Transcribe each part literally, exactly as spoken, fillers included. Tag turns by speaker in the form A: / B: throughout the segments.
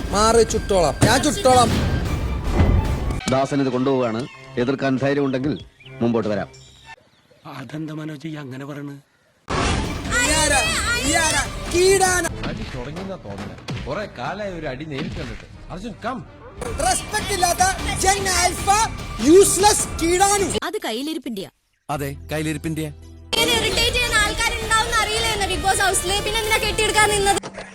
A: മാറി ചുട്ടോളാം, ഞാൻ ചുട്ടോളാം.
B: ദാസൻ ഇത് കൊണ്ടുപോവാണ്. എതിർക്കാൻ ധൈര്യം ഉണ്ടെങ്കിൽ മുമ്പോട്ട് വരാം.
C: അതെന്താ മനോജ് അങ്ങനെ പറയണ്?
D: അടി തുടങ്ങിയെന്നാ തോന്നുന്നത്. കുറെ കാലായി ഒരു അടി നേരിട്ട് കണ്ടിട്ട്. അർജുൻ കം.
A: റെസ്പെക്ട് ഇല്ലാത്ത ജങ് ആൽഫ യൂസ്ലെസ് കീടാനു.
E: അത് കയ്യിലിരിപ്പിന്റെയാ.
F: അതെ, കയ്യിലിരിപ്പിന്റെ.
E: ഇറിറ്റേറ്റ് ചെയ്യുന്ന ആൾക്കാരുണ്ടാവും അറിയില്ലായിരുന്നു ബിഗ് ബോസ് ഹൗസില്. പിന്നെ എന്തിനാ കെട്ടിയെടുക്കാൻ നിന്നത്?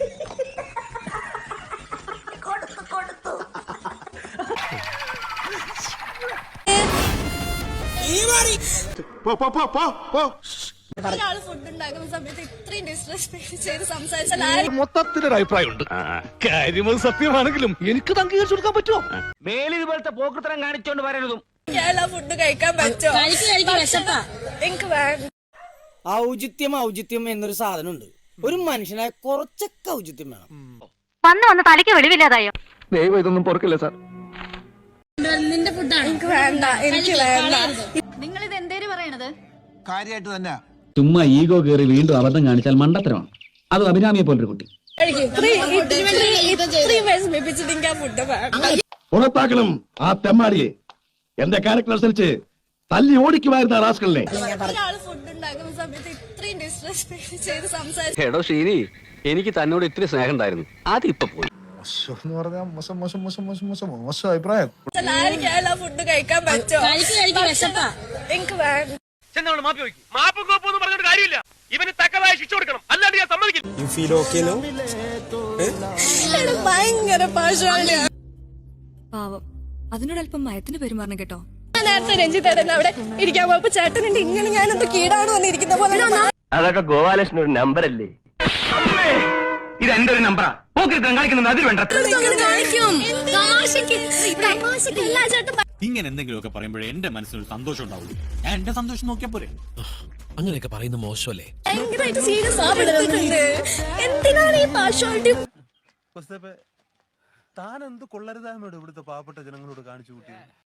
E: ഒരാള് ഫുഡ് ഉണ്ടാക്കുന്ന സമയത്ത് ഇത്രയും ഡിസ്റെസ്പെക്ട് ചെയ്ത് സംസാരിച്ചാൽ
C: മൊത്തത്തിലൊരു അഭിപ്രായമുണ്ട്. കാര്യം സത്യമാണെങ്കിലും എനിക്ക് അംഗീകരിച്ചു കൊടുക്കാൻ പറ്റുമോ?
B: മേലിൽ ഇതുപോലത്തെ പോക്കൃത്തരം കാണിച്ചോണ്ട് വരരുതും.
E: ഫുഡ് കഴിക്കാൻ പറ്റുമോ? എനിക്ക് വേണ്ട.
G: ഔചിത്യം ഔചിത്യം എന്നൊരു സാധനമുണ്ട്. ഒരു മനുഷ്യനായ കുറച്ചൊക്കെ ഔചിത്യം വേണം.
H: വന്ന് വന്ന് തലയ്ക്ക് വെളിവില്ലാതായോ?
B: ദൈവം ഇതൊന്നും പൊറുക്കില്ല സാർ.
E: നിന്റെ ഫുഡാണ്. എനിക്ക് വേണ്ട, എനിക്ക് വേണ്ട.
H: നിങ്ങൾ ഇത് എന്തേലും പറയണത്?
F: കാര്യമായിട്ട് തന്നെ.
I: ചുമ്മാ ഈഗോ കയറി വീണ്ടും അബദ്ധം കാണിച്ചാൽ മണ്ടത്തരമാണ്. അത് അഭിരാമിയെ പോലൊരു കുട്ടി.
J: പുറത്താക്കണം ആ തെമ്മാടിയെ. എന്റെ ക്യാരക്ടർ അനുസരിച്ച് തല്ലി ഓടിക്കുമായിരുന്ന റാസ്കളിനെ.
E: ഒരാള് ഫുഡ് ഉണ്ടാക്കുന്ന സമയത്ത് ഇത്രയും ഡിസ്റെസ്പെക്ട് ചെയ്ത് സംസാരിച്ചു.
B: എടോ ഷീനി, എനിക്ക് തന്നോട് ഇത്തിരി സ്നേഹം ഉണ്ടായിരുന്നു. അതിപ്പോ പോയി.
J: മോശം മോശം മോശം മോശം മോശം മോശം അഭിപ്രായം.
E: ഫുഡ് കഴിക്കാൻ പറ്റുമോ? എനിക്ക് വേണ്ട. ഭയങ്കര പാശാലിയാണ്.
H: പാവം, അതിനോടല്പം മയത്തിന് പെരുമാറണം കേട്ടോ.
E: നേരത്തെ രഞ്ജിത്തേട്ടൻ അവിടെ ഇരിക്കാൻ പോയപ്പോ ചേട്ടനുണ്ട് ഇങ്ങനെ ഞാനെന്ത് കീടാണ് വന്നിരിക്കുന്ന പോലെ.
B: അതൊക്കെ ഗോപാലകൃഷ്ണൻ ഒരു നമ്പറല്ലേ? ഇത് എന്റെ ഒരു നമ്പറാ. കാണിക്കുന്നത് അതിൽ വേണ്ട.
C: ഇങ്ങനെ എന്തെങ്കിലുമൊക്കെ പറയുമ്പോഴേ എന്റെ മനസ്സിനൊരു സന്തോഷം ഉണ്ടാവുള്ളൂ. ഞാൻ എന്റെ സന്തോഷം നോക്കിയാ പോരെ.
F: അങ്ങനെയൊക്കെ പറയുന്നത് മോശമല്ലേ?
E: ഭയങ്കരമായിട്ട് സീരിയസ് ആവുന്നുണ്ട്. എന്തിനാണ് ഈ പാർഷ്വാലിറ്റി?
D: താൻ എന്ത് കൊള്ളരുതായ്മയോട് ഇവിടുത്തെ പാവപ്പെട്ട ജനങ്ങളോട് കാണിച്ചു കൂട്ടി?